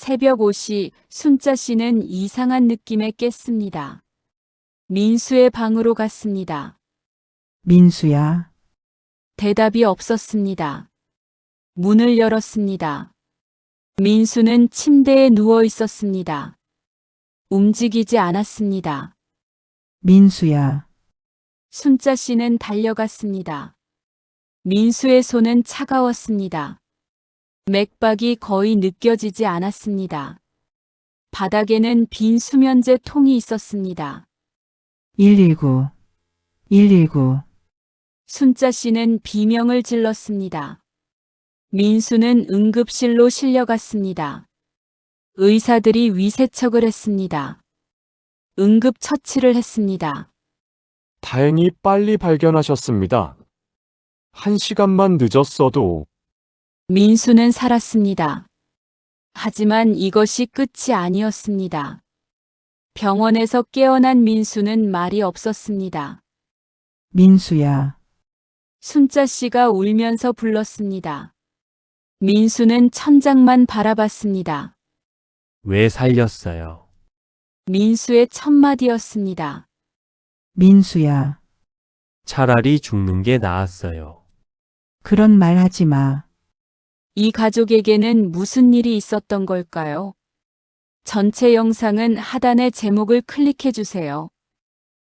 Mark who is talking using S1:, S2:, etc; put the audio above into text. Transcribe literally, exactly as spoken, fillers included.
S1: 새벽 오 시 순자 씨는 이상한 느낌에 깼습니다. 민수의 방으로 갔습니다.
S2: 민수야,
S1: 대답이 없었습니다. 문을 열었습니다. 민수는 침대에 누워 있었습니다. 움직이지 않았습니다.
S2: 민수야,
S1: 순자 씨는 달려갔습니다. 민수의 손은 차가웠습니다. 맥박이 거의 느껴지지 않았습니다. 바닥에는 빈 수면제 통이 있었습니다.
S2: 일일구, 일일구,
S1: 순자 씨는 비명을 질렀습니다. 민수는 응급실로 실려갔습니다. 의사들이 위세척을 했습니다. 응급처치를 했습니다.
S3: 다행히 빨리 발견하셨습니다. 한 시간만 늦었어도
S1: 민수는 살았습니다. 하지만 이것이 끝이 아니었습니다. 병원에서 깨어난 민수는 말이 없었습니다.
S2: 민수야,
S1: 순자 씨가 울면서 불렀습니다. 민수는 천장만 바라봤습니다.
S4: 왜 살렸어요?
S1: 민수의 첫 마디였습니다.
S2: 민수야,
S4: 차라리 죽는 게 나았어요.
S2: 그런 말 하지 마.
S1: 이 가족에게는 무슨 일이 있었던 걸까요? 전체 영상은 하단의 제목을 클릭해 주세요.